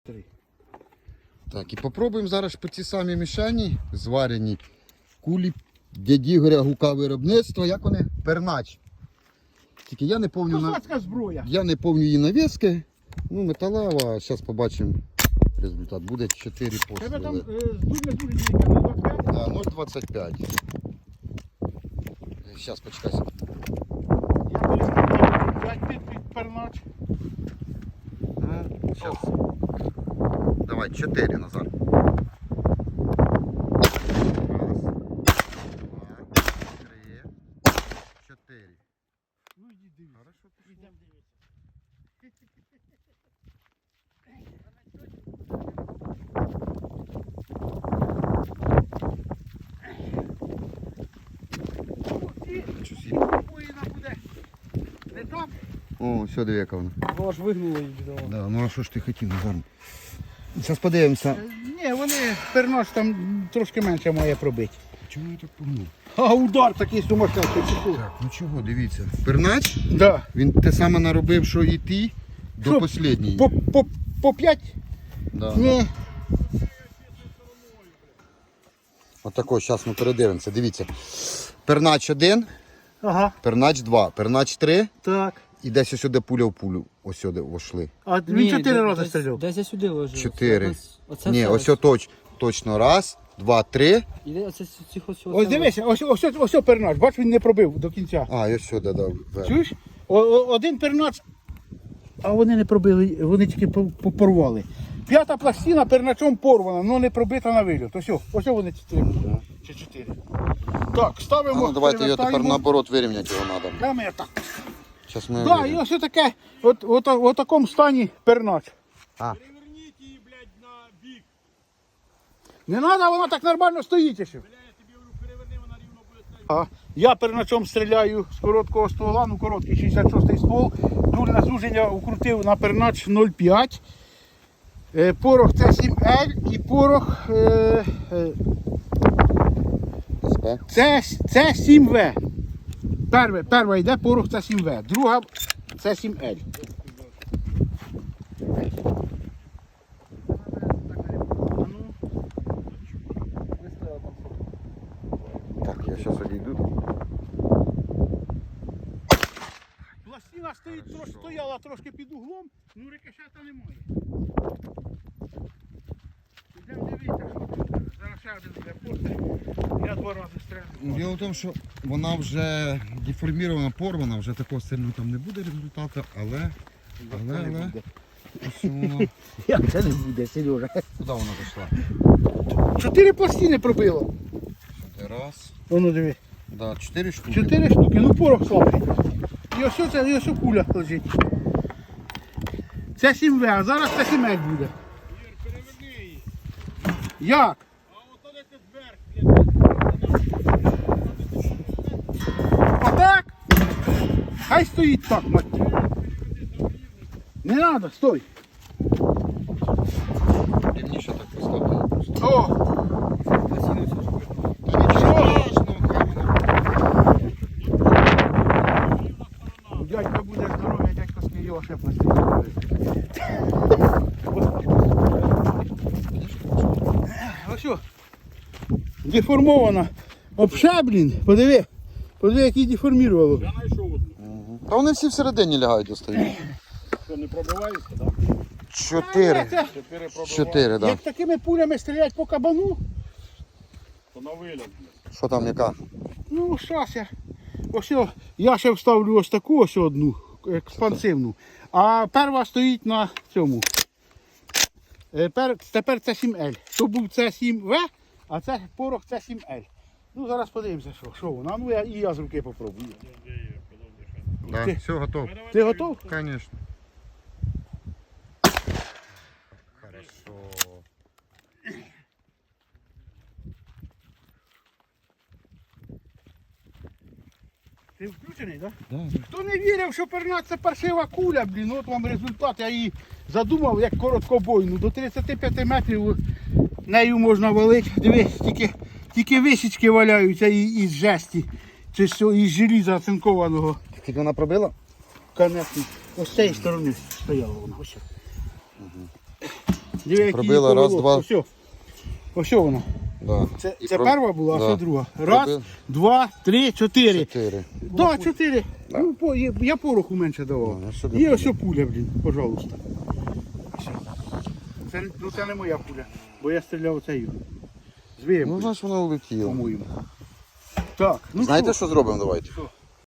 Так, і попробуємо зараз по ці самі мішені зварені кулі дяді Ігоря Гука виробництва. Як вони? Пернач. Тільки я не пам'ятаю. Козацька зброя. Я не пам'ятаю її навіски. Ну, металева, зараз побачимо результат. Буде 4 Тебе там постріли. дуже дійка на 25. Да, 0,25. Зараз почекайся. Я перестав 5 під пернач. Ну, зараз. Давай, 4, Назар. Раз, два, 3, 4. Ну йди дивись. Хорошо, Ідем дивитися. Воїна буде не так. О, все, диви, яка вона. Бо аж вигнуло її бідомо. Да, ну а що ж ти хотів, Назар? Зараз подивимося. Ні, вони пернач там трошки менше має пробити. Чому я так погнув? А удар такий сумасшедший. Так, ну чого, дивіться. Пернач, Да. він те саме наробив, що і ти, до Що, останньої. По 5? Да. Ні. Отако, зараз ми передивимося, дивіться. Пернач 1, Ага, пернач 2, пернач 3 так. і десь ось сюди пуля в пулю. Ось сюди вошли. А він 4 рази стріляв. Десь я сюди ложив. 4. Оце Ні, все ось точно. Раз, два, 3. Іде оце Ось дивися, ось пернач, бач, він не пробив до кінця. А, і ось сюди, да. вверх. Чуєш? Один пернач, а вони не пробили, вони тільки порвали. 5-та пластина перначом порвана, але не пробита на вильот. Ось вони 4. Чи 4. Так, А, ставимо. ну давайте його тепер перевертаємо. наоборот вирівняти його треба. Прямо я так. Зараз ми Так, його і вирівняємо. ось таке, от такому стані пернач. Переверніть її, блядь, на бік. Не треба, вона так нормально стоїть ще. Бля, я тобі говорю, переверни, вона рівно буде стояти. Я перначом стріляю з короткого ствола, ну короткий 66-й ствол. Дульне звуження укрутив на пернач 0,5. Порох С7Л і порох СП. С7В. Перша йде порох С7В, друга С7Л. Так, я зараз одійду. Пластина стояла трошки під углом, ну рикошета немає. Йдемо дивитися, що там. Зараз ще один буде постріл. Я 2 рази стріляю. Діло в тому, що вона вже деформірована, порвана, вже такого сильного там не буде результату, але ось воно. Як це не буде, Сережа? Куди вона зайшла? 4 пластини пробило. Сюди раз. Воно диви. Да, 4 штуки. 4 штуки, ну порох слабший. І ось це, і ось куля лежить. Це 7В, а зараз це 7Л буде. Ір, переверни її. Як? А ото десь вверх, блядь. Отак? Хай стоїть так, мать. Не треба, стой. Рівніше так поставте просто. О, Та нічого страшного, хай вона. дядько буде здоров'я, дядько сміє, ще пластину. Ось о, деформована. Обшаблін, подиви, який деформірувало. Я знайшов одну. Та вони всі всередині лягають остають. Що, не пробивається, так? 4. Це, 4 пробивається. 4, так. як такими пулями стрілять по кабану, То на виліт, блядь. Що там, яка? ну щас я. Ось о, я ще вставлю ось таку ось одну, експансивну. А перша стоїть на цьому. Тепер це 7Л. То був це 7В, а це порох це 7Л. Ну зараз подивимося, що воно. Ну я з руки попробую. Да, Ти- все, готово. Ти готов? Конечно. Хорошо. Ти включений, так? Да. Хто не вірив, що пернат це паршива куля, блін, от вам результат. Я її задумав як короткобойну. До 35 метрів нею можна валити. Дивись, тільки висічки валяються із жесті. Чи що, із желіза оцинкованого. Скільки вона пробила? Конечно. Ось з цієї сторони стояла вона. Ось. Диви, які Пробила, її раз, повело. два. Ось вона. Да. Це І перша була, а да. це друга. Раз, Пробив. 2, 3, 4. 4. Да, 4. Ну, я пороху менше давав. Ну, сюди І ось пуля, блін, пожалуйста. Ось. Це не моя пуля, бо я стріляв оцею. Звієм, Ну, знаєш, воно улетіло. по-моєму. Так, ну Знаєте, що? що зробимо? Давайте. Що?